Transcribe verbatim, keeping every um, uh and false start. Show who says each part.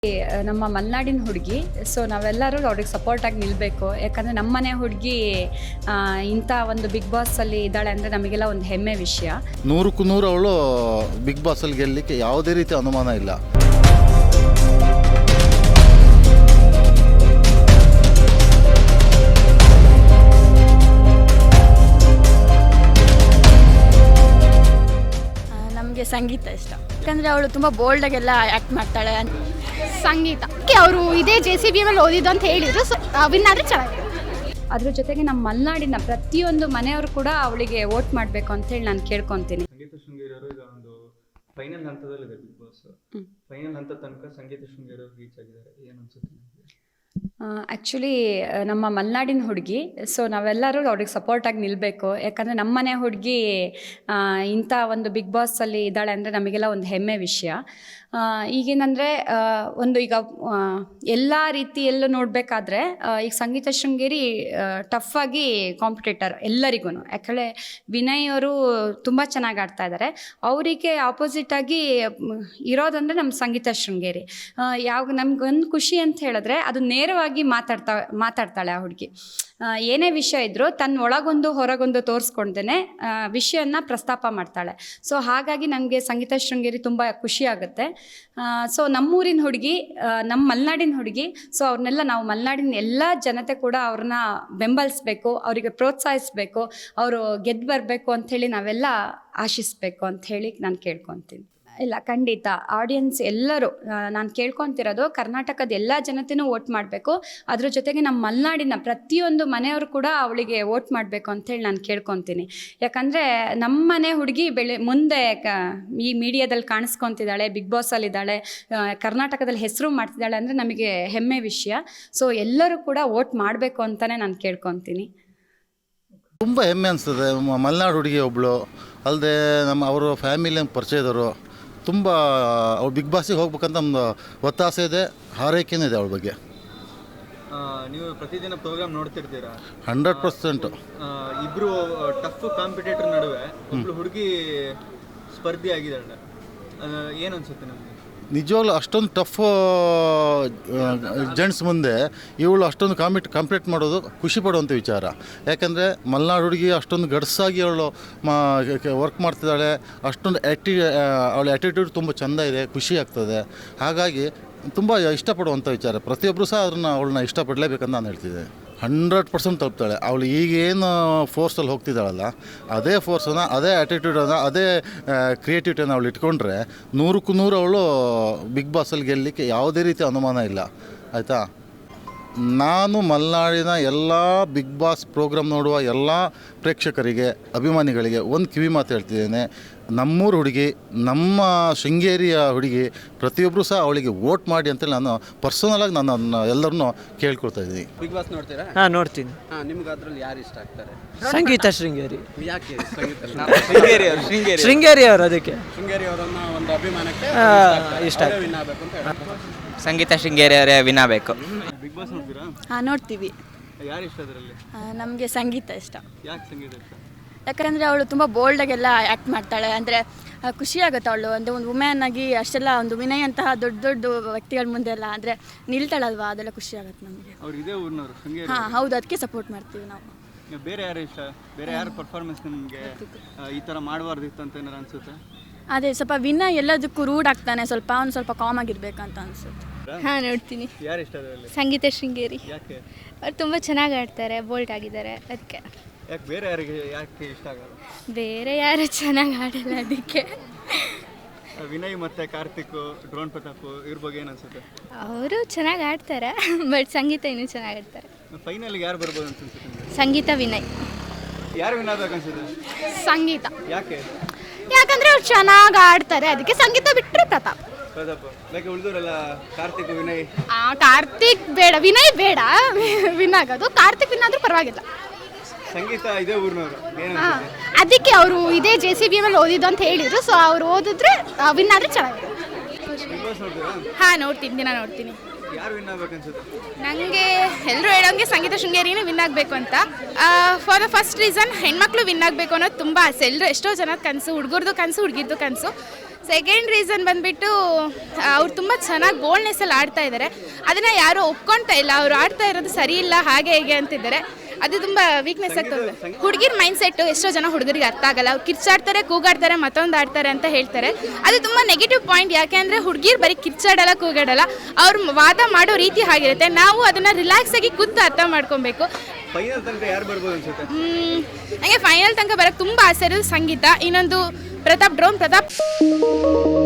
Speaker 1: ನಮ್ಮ ಮಲೆನಾಡಿನ ಹುಡುಗಿ, ಸೊ ನಾವೆಲ್ಲರೂ ಅವ್ರಿಗೆ ಸಪೋರ್ಟಾಗಿ ನಿಲ್ಲಬೇಕು. ಯಾಕಂದರೆ ನಮ್ಮನೆ ಹುಡುಗಿ ಇಂಥ ಒಂದು ಬಿಗ್ ಬಾಸಲ್ಲಿ ಇದ್ದಾಳೆ ಅಂದರೆ ನಮಗೆಲ್ಲ ಒಂದು ಹೆಮ್ಮೆ ವಿಷಯ.
Speaker 2: ನೂರಕ್ಕೂ ನೂರು ಅವಳು ಬಿಗ್ ಬಾಸಲ್ಲಿ ಗೆಲ್ಲಲಿಕ್ಕೆ ಯಾವುದೇ ರೀತಿ ಅನುಮಾನ ಇಲ್ಲ.
Speaker 3: ನಮಗೆ ಸಂಗೀತ ಇಷ್ಟ, ಯಾಕಂದರೆ ಅವಳು ತುಂಬ ಬೋಲ್ಡಾಗೆಲ್ಲ ಆ್ಯಕ್ಟ್ ಮಾಡ್ತಾಳೆ.
Speaker 4: ಸಂಗೀತ ಅವರು ಇದೇ ಜೆ ಸಿ ಬಿ ಮೇಲೆ ಓದಿದ್ದು ಅಂತ ಹೇಳಿದ್ರು, ಸೊ ವಿನ್ ಆದರೆ ಚೆನ್ನಾಗಿದೆ.
Speaker 1: ಅದ್ರ ಜೊತೆಗೆ ನಮ್ಮ ಮಲೆನಾಡಿನ ಪ್ರತಿಯೊಂದು ಮನೆಯವರು ಕೂಡ ಅವಳಿಗೆ ವೋಟ್ ಮಾಡಬೇಕು ಅಂತೇಳಿ ನಾನು ಕೇಳ್ಕೊತೀನಿ.
Speaker 5: ಸಂಗೀತ ಶೃಂಗೇರಿ ಅವರು ಈಗ ಒಂದು ಫೈನಲ್ ಹಂತದಲ್ಲಿದೆ ಬಿಗ್ ಬಾಸ್. ಫೈನಲ್ ಹಂತ ತನಕ ಸಂಗೀತ ಶೃಂಗೇರಿ ಅವರು ರೀಚ್ ಆಗಿದ್ದಾರೆ, ಏನು ಅನ್ಸುತ್ತೆ ನಿಮಗೆ?
Speaker 1: ಆ್ಯಕ್ಚುಲಿ ನಮ್ಮ ಮಲೆನಾಡಿನ ಹುಡುಗಿ, ಸೊ ನಾವೆಲ್ಲರೂ ಅವ್ರಿಗೆ ಸಪೋರ್ಟಾಗಿ ನಿಲ್ಲಬೇಕು. ಯಾಕಂದರೆ ನಮ್ಮನೆ ಹುಡುಗಿ ಇಂಥ ಒಂದು ಬಿಗ್ ಬಾಸಲ್ಲಿ ಇದ್ದಾಳೆ ಅಂದರೆ ನಮಗೆಲ್ಲ ಒಂದು ಹೆಮ್ಮೆ ವಿಷಯ. ಈಗೇನಂದರೆ ಒಂದು ಈಗ ಎಲ್ಲ ರೀತಿಯಲ್ಲೂ ನೋಡಬೇಕಾದ್ರೆ ಈಗ ಸಂಗೀತ ಶೃಂಗೇರಿ ಟಫಾಗಿ ಕಾಂಪಿಟೇಟರ್ ಎಲ್ಲರಿಗೂ. ಯಾಕಂದರೆ ವಿನಯ್ ಅವರು ತುಂಬ ಚೆನ್ನಾಗಿ ಆಡ್ತಾ ಇದ್ದಾರೆ. ಅವರಿಗೆ ಆಪೋಸಿಟಾಗಿ ಇರೋದಂದರೆ ನಮ್ಮ ಸಂಗೀತ ಶೃಂಗೇರಿ. ಯಾವ ನಮ್ಗೊಂದು ಖುಷಿ ಅಂತ ಹೇಳಿದ್ರೆ ಅದು ನೇರವಾಗಿ ಮಾತಾಡ್ತಾ ಮಾತಾಡ್ತಾಳೆ ಆ ಹುಡುಗಿ. ಏನೇ ವಿಷಯ ಇದ್ದರೂ ತನ್ನ ಒಳಗೊಂದು ಹೊರಗೊಂದು ತೋರಿಸ್ಕೊಂಡೇ ವಿಷಯನ ಪ್ರಸ್ತಾಪ ಮಾಡ್ತಾಳೆ. ಸೊ ಹಾಗಾಗಿ ನನಗೆ ಸಂಗೀತ ಶೃಂಗೇರಿ ತುಂಬ ಖುಷಿ ಆಗುತ್ತೆ. ಸೊ ನಮ್ಮೂರಿನ ಹುಡುಗಿ, ನಮ್ಮ ಮಲೆನಾಡಿನ ಹುಡುಗಿ, ಸೊ ಅವ್ರನ್ನೆಲ್ಲ ನಾವು ಮಲೆನಾಡಿನ ಎಲ್ಲ ಜನತೆ ಕೂಡ ಅವ್ರನ್ನ ಬೆಂಬಲಿಸ್ಬೇಕು, ಅವರಿಗೆ ಪ್ರೋತ್ಸಾಹಿಸಬೇಕು, ಅವರು ಗೆದ್ದು ಬರಬೇಕು ಅಂಥೇಳಿ ನಾವೆಲ್ಲ ಆಶಿಸಬೇಕು ಅಂಥೇಳಿ ನಾನು ಕೇಳ್ಕೊತೀನಿ. ಇಲ್ಲ, ಖಂಡಿತ ಆಡಿಯನ್ಸ್ ಎಲ್ಲರೂ ನಾನು ಕೇಳ್ಕೊತಿರೋದು ಕರ್ನಾಟಕದ ಎಲ್ಲ ಜನತೆಯೂ ವೋಟ್ ಮಾಡಬೇಕು. ಅದ್ರ ಜೊತೆಗೆ ನಮ್ಮ ಮಲೆನಾಡಿನ ಪ್ರತಿಯೊಂದು ಮನೆಯವರು ಕೂಡ ಅವಳಿಗೆ ವೋಟ್ ಮಾಡಬೇಕು ಅಂಥೇಳಿ ನಾನು ಕೇಳ್ಕೊತೀನಿ. ಯಾಕಂದರೆ ನಮ್ಮ ಮನೆ ಹುಡುಗಿ ಬೆಳೆ ಮುಂದೆ ಕ ಈ ಮೀಡಿಯಾದಲ್ಲಿ ಕಾಣಿಸ್ಕೊತಿದ್ದಾಳೆ, ಬಿಗ್ ಬಾಸಲ್ಲಿದ್ದಾಳೆ, ಕರ್ನಾಟಕದಲ್ಲಿ ಹೆಸರು ಮಾಡ್ತಿದ್ದಾಳೆ ಅಂದರೆ ನಮಗೆ ಹೆಮ್ಮೆ ವಿಷಯ. ಸೊ ಎಲ್ಲರೂ ಕೂಡ ವೋಟ್ ಮಾಡಬೇಕು ಅಂತಲೇ ನಾನು ಕೇಳ್ಕೊತೀನಿ.
Speaker 2: ತುಂಬ ಹೆಮ್ಮೆ ಅನಿಸ್ತದೆ. ಮಲೆನಾಡು ಹುಡುಗಿ ಒಬ್ಬಳು ಅಲ್ಲದೆ ನಮ್ಮ ಅವರ ಫ್ಯಾಮಿಲಿ ಪರಿಚಯದವರು ತುಂಬ ಅವ್ಳು ಬಿಗ್ ಬಾಸಿಗೆ ಹೋಗ್ಬೇಕಂತ ನಮ್ಮದು ಒತ್ತಾಸೆ ಇದೆ, ಹಾರೈಕೆನೂ ಇದೆ ಅವಳ ಬಗ್ಗೆ.
Speaker 5: ನೀವು ಪ್ರತಿದಿನ ಪ್ರೋಗ್ರಾಮ್ ನೋಡ್ತಿರ್ತೀರಾ?
Speaker 2: Hundred percent.
Speaker 5: ಇಬ್ಬರು ಟಫ್ ಕಾಂಪಿಟೇಟರ್ ನಡುವೆ ಒಬ್ಬಳು ಹುಡುಗಿ ಸ್ಪರ್ಧಿ ಆಗಿದ್ದಾಳೆ, ಏನು ಅನ್ಸುತ್ತೆ ನಮಗೆ?
Speaker 2: ನಿಜವಾಗ್ಲೂ ಅಷ್ಟೊಂದು ಟಫ್ ಜೆಂಟ್ಸ್ ಮುಂದೆ ಇವಳು ಅಷ್ಟೊಂದು ಕಾಂಪಿಟ್ ಕಾಂಪಿಟೇಟ್ ಮಾಡೋದು ಖುಷಿ ಪಡುವಂಥ ವಿಚಾರ. ಯಾಕಂದರೆ ಮಲೆನಾಡು ಹುಡುಗಿ ಅಷ್ಟೊಂದು ಗಡ್ಸಾಗಿ ಅವಳು ಮಾ ವರ್ಕ್ ಮಾಡ್ತಿದ್ದಾಳೆ. ಅಷ್ಟೊಂದು ಆ್ಯಕ್ಟಿ ಅವಳ ಆ್ಯಟಿಟ್ಯೂಡ್ ತುಂಬ ಚೆಂದ ಇದೆ, ಖುಷಿ ಆಗ್ತದೆ. ಹಾಗಾಗಿ ತುಂಬ ಇಷ್ಟಪಡುವಂಥ ವಿಚಾರ. ಪ್ರತಿಯೊಬ್ಬರು ಸಹ ಅದನ್ನು ಅವಳನ್ನ ಇಷ್ಟಪಡಲೇಬೇಕಂತ ನಾನು ಹೇಳ್ತಿದ್ದೆ. ಹಂಡ್ರೆಡ್ ಪರ್ಸೆಂಟ್ ತಲುಪ್ತಾಳೆ. ಅವಳು ಈಗೇನು ಫೋರ್ಸಲ್ಲಿ ಹೋಗ್ತಿದ್ದಾಳಲ್ಲ, ಅದೇ ಫೋರ್ಸನ್ನು, ಅದೇ ಆ್ಯಟಿಟ್ಯೂಡನ್ನು, ಅದೇ ಕ್ರಿಯೇಟಿವಿಟಿಯನ್ನು ಅವಳು ಇಟ್ಕೊಂಡ್ರೆ ನೂರಕ್ಕೂ ನೂರು ಅವಳು ಬಿಗ್ ಬಾಸಲ್ಲಿ ಗೆಲ್ಲಲಿಕ್ಕೆ ಯಾವುದೇ ರೀತಿ ಅನುಮಾನ ಇಲ್ಲ. ಆಯಿತಾ? ನಾನು ಮಲೆನಾಡಿನ ಎಲ್ಲ ಬಿಗ್ ಬಾಸ್ ಪ್ರೋಗ್ರಾಮ್ ನೋಡುವ ಎಲ್ಲ ಪ್ರೇಕ್ಷಕರಿಗೆ, ಅಭಿಮಾನಿಗಳಿಗೆ ಒಂದು ಕಿವಿ ಮಾತು ಹೇಳ್ತಿದ್ದೇನೆ. ನಮ್ಮೂರು ಹುಡುಗಿ, ನಮ್ಮ ಶೃಂಗೇರಿಯ ಹುಡುಗಿ, ಪ್ರತಿಯೊಬ್ಬರು ಸಹ ಅವಳಿಗೆ ವೋಟ್ ಮಾಡಿ ಅಂತೇಳಿ ನಾನು ಪರ್ಸನಲಾಗಿ ನಾನು ಎಲ್ಲರನ್ನೂ ಕೇಳ್ಕೊಳ್ತಾ ಇದ್ದೀನಿ.
Speaker 6: ಬಿಗ್ ಬಾಸ್ ನೋಡ್ತೀರಾ?
Speaker 7: ಹಾಂ, ನೋಡ್ತೀನಿ.
Speaker 6: ಹಾಂ, ನಿಮ್ಗೆ ಅದರಲ್ಲಿ ಯಾರು ಇಷ್ಟ ಆಗ್ತಾರೆ?
Speaker 7: ಸಂಗೀತ ಶೃಂಗೇರಿ.
Speaker 6: ಯಾಕೆ ಸಂಗೀತ
Speaker 7: ಶೃಂಗೇರಿ ಅವರು ಶೃಂಗೇರಿ ಶೃಂಗೇರಿ ಅವರು ಅದಕ್ಕೆ
Speaker 6: ಶೃಂಗೇರಿ ಅವರನ್ನ ಒಂದು ಅಭಿಮಾನಕ್ಕೆ
Speaker 7: ಇಷ್ಟ
Speaker 6: ವಿನ್ ಆಗಬೇಕು ಅಂತ ಹೇಳ್ತಾರೆ.
Speaker 7: ಸಂಗೀತ ಶೃಂಗೇರಿ ಅವರೇ ವಿನ್ ಆಗಬೇಕು.
Speaker 5: ಬಿಗ್ ಬಾಸ್ ನೋಡ್ತೀರಾ?
Speaker 3: ಹಾಂ, ನೋಡ್ತೀವಿ.
Speaker 5: ಯಾರು ಇಷ್ಟ ಅದರಲ್ಲಿ?
Speaker 3: ನಮಗೆ ಸಂಗೀತ ಇಷ್ಟ,
Speaker 5: ಯಾಕೆ ಸಂಗೀತ ಇಷ್ಟ?
Speaker 3: ಯಾಕಂದರೆ ಅವಳು ತುಂಬ ಬೋಲ್ಡಾಗೆಲ್ಲ ಆ್ಯಕ್ಟ್ ಮಾಡ್ತಾಳೆ. ಅಂದರೆ ಖುಷಿ ಆಗುತ್ತೆ ಅವಳು ಅಂದರೆ ಒಂದು ವುಮೆನ್ ಆಗಿ ಅಷ್ಟೆಲ್ಲ ಒಂದು ವಿನಯ್ ಅಂತಹ ದೊಡ್ಡ ದೊಡ್ಡ ವ್ಯಕ್ತಿಗಳ ಮುಂದೆ ಎಲ್ಲ ಅಂದರೆ ನಿಲ್ತಾಳಲ್ವಾ, ಅದೆಲ್ಲ ಖುಷಿ ಆಗುತ್ತೆ ನಮಗೆ.
Speaker 5: ಅವ್ರು ಇದೇ ಊರಿನವರು ಶೃಂಗೇರಿ?
Speaker 3: ಹಾಂ, ಹೌದು, ಅದಕ್ಕೆ ಸಪೋರ್ಟ್ ಮಾಡ್ತೀವಿ ನಾವು.
Speaker 5: ಬೇರೆ ಯಾರು ಇಷ್ಟ? ಬೇರೆ ಯಾರು ಪರ್ಫಾರ್ಮೆನ್ಸ್ ನಿಮಗೆ ಈ ಥರ ಮಾಡಬಾರ್ದಿತ್ತು ಅಂತ ಏನಾರು ಅನ್ಸುತ್ತೆ?
Speaker 3: ಅದೇ ಸ್ವಲ್ಪ ವಿನಯ್ ಎಲ್ಲದಕ್ಕೂ ರೂಢ್ ಆಗ್ತಾನೆ, ಸ್ವಲ್ಪ ಅವ್ನು ಸ್ವಲ್ಪ ಕಾಮ್ ಆಗಿರ್ಬೇಕಂತ ಅನ್ಸುತ್ತೆ.
Speaker 4: ಹಾಂ, ನೋಡ್ತೀನಿ.
Speaker 5: ಯಾರು ಇಷ್ಟ ಅದರಲ್ಲಿ?
Speaker 4: ಸಂಗೀತ ಶೃಂಗೇರಿ.
Speaker 5: ಯಾಕೆ?
Speaker 4: ಅವ್ರು ತುಂಬ ಚೆನ್ನಾಗಿ ಆಡ್ತಾರೆ, ಬೋಲ್ಡ್ ಆಗಿದ್ದಾರೆ, ಅದಕ್ಕೆ.
Speaker 5: ಯಾಕೆ ಬೇರೆ ಯಾರಿಗೆ ಯಾಕೆ ಇಷ್ಟ ಆಗಲ್ಲ?
Speaker 4: ಬೇರೆ ಯಾರು ಚೆನ್ನಾಗಿ ಆಡಲ್ಲ, ಅದಕ್ಕೆ.
Speaker 5: ವಿನಯ್ ಮತ್ತು ಕಾರ್ತಿಕ್, ಡ್ರೋನ್ ಪ್ರತಾಪ್ ಇವ್ರ ಬಗ್ಗೆ ಏನು ಅನ್ಸುತ್ತೆ?
Speaker 4: ಅವರು ಚೆನ್ನಾಗಿ ಆಡ್ತಾರೆ, ಬಟ್ ಸಂಗೀತ ಇನ್ನೂ ಚೆನ್ನಾಗಿ ಆಡ್ತಾರೆ.
Speaker 5: ಫೈನಲ್ಗೆ ಯಾರು ಬರ್ಬೋದು ಅಂತ ಅನ್ಸುತ್ತೆ ನಿಮಗೆ?
Speaker 4: ಸಂಗೀತ, ವಿನಯ್.
Speaker 5: ಯಾರು ವಿನ್ ಆಗ್ಬೇಕು ಅನ್ಸುತ್ತೆ?
Speaker 4: ಸಂಗೀತ.
Speaker 5: ಯಾಕೆ?
Speaker 4: ಯಾಕಂದರೆ ಅವ್ರು ಚೆನ್ನಾಗಿ ಆಡ್ತಾರೆ, ಅದಕ್ಕೆ ಸಂಗೀತ ಬಿಟ್ಟರೆ ಪ್ರತಾಪ್.
Speaker 5: ಪ್ರತಾಪ್ ಯಾಕೆ? ಉಳಿದವರೆಲ್ಲ ಕಾರ್ತಿಕ್, ವಿನಯ್.
Speaker 4: ಕಾರ್ತಿಕ್ ಬೇಡ, ವಿನಯ್ ಬೇಡ ವಿನ್ ಆಗೋದು. ಕಾರ್ತಿಕ್ ವಿನ್ ಆದರೂ ಪರವಾಗಿಲ್ಲ.
Speaker 5: ಸಂಗೀತ ಇದೇ ಊರಿನವರು, ಏನು
Speaker 4: ಅದಕ್ಕೆ ಅವರು ಇದೇ ಜೆ ಸಿ ಬಿ ಮೇಲೆ ಓದಿದ್ದು ಅಂತ ಹೇಳಿದ್ರು, ಸೊ ಅವ್ರು ಓದಿದ್ರೆ ವಿನ್ ಆದರೆ ಚೆನ್ನಾಗಿದೆ.
Speaker 5: ಬಿಗ್ ಬಾಸ್ ನೋಡ್ತೀರಾ?
Speaker 4: ಹಾಂ, ನೋಡ್ತೀನಿ, ದಿನ ನೋಡ್ತೀನಿ.
Speaker 5: ಯಾರು ವಿನ್ ಆಗ್ಬೇಕು ಅನ್ಸುತ್ತೆ?
Speaker 4: ನನಗೆ ಎಲ್ಲರೂ ಹೇಳೋಂಗೆ ಸಂಗೀತ ಶೃಂಗೇರಿನೇ ವಿನ್ ಆಗಬೇಕು ಅಂತ. ಫಾರ್ ದ ಫಸ್ಟ್ ರೀಸನ್, ಹೆಣ್ಮಕ್ಳು ವಿನ್ ಆಗಬೇಕು ಅನ್ನೋದು ತುಂಬ ಆಸೆ. ಎಲ್ಲರೂ ಎಷ್ಟೋ ಜನದ ಕನಸು, ಹುಡುಗರದು ಕನಸು, ಹುಡುಗಿರ್ದು ಕನಸು. ಸೊ ಸೆಕೆಂಡ್ ರೀಸನ್ ಬಂದ್ಬಿಟ್ಟು ಅವ್ರು ತುಂಬ ಚೆನ್ನಾಗಿ ಬೋಲ್ಡ್ನೆಸ್ಸಲ್ಲಿ ಆಡ್ತಾ ಇದ್ದಾರೆ. ಅದನ್ನು ಯಾರೂ ಒಪ್ಕೊಳ್ತಾ ಇಲ್ಲ, ಅವ್ರು ಆಡ್ತಾ ಇರೋದು ಸರಿ ಇಲ್ಲ ಹಾಗೆ ಹೇಗೆ ಅಂತಿದ್ದಾರೆ. ಅದು ತುಂಬ ವೀಕ್ನೆಸ್ ಆಗ್ತದೆ. ಹುಡುಗಿರ ಮೈಂಡ್ ಸೆಟ್ಟು ಎಷ್ಟೋ ಜನ ಹುಡುಗರಿಗೆ ಅರ್ಥ ಆಗಲ್ಲ. ಅವ್ರು ಕಿರ್ಚಾಡ್ತಾರೆ, ಕೂಗಾಡ್ತಾರೆ, ಮತ್ತೊಂದು ಆಡ್ತಾರೆ ಅಂತ ಹೇಳ್ತಾರೆ. ಅದು ತುಂಬ ನೆಗೆಟಿವ್ ಪಾಯಿಂಟ್. ಯಾಕೆ ಅಂದರೆ ಹುಡುಗಿರು ಬರೀ ಕಿರ್ಚಾಡಲ್ಲ, ಕೂಗಾಡಲ್ಲ, ಅವ್ರು ವಾದ ಮಾಡೋ ರೀತಿ ಆಗಿರುತ್ತೆ. ನಾವು ಅದನ್ನು ರಿಲ್ಯಾಕ್ಸ್ ಆಗಿ ಕೂತು ಅರ್ಥ ಮಾಡ್ಕೊಬೇಕು.
Speaker 5: ಫೈನಲ್ ತನಕ ಯಾರು ಬರ್ಬೋದು ಅನ್ಸುತ್ತೆ?
Speaker 4: ನನಗೆ ಫೈನಲ್ ತನಕ ಬರೋಕ್ಕೆ ತುಂಬ ಆಸೆ ಇರೋದು ಸಂಗೀತ, ಇನ್ನೊಂದು ಪ್ರತಾಪ್ ಡ್ರೋನ್ ಪ್ರತಾಪ್.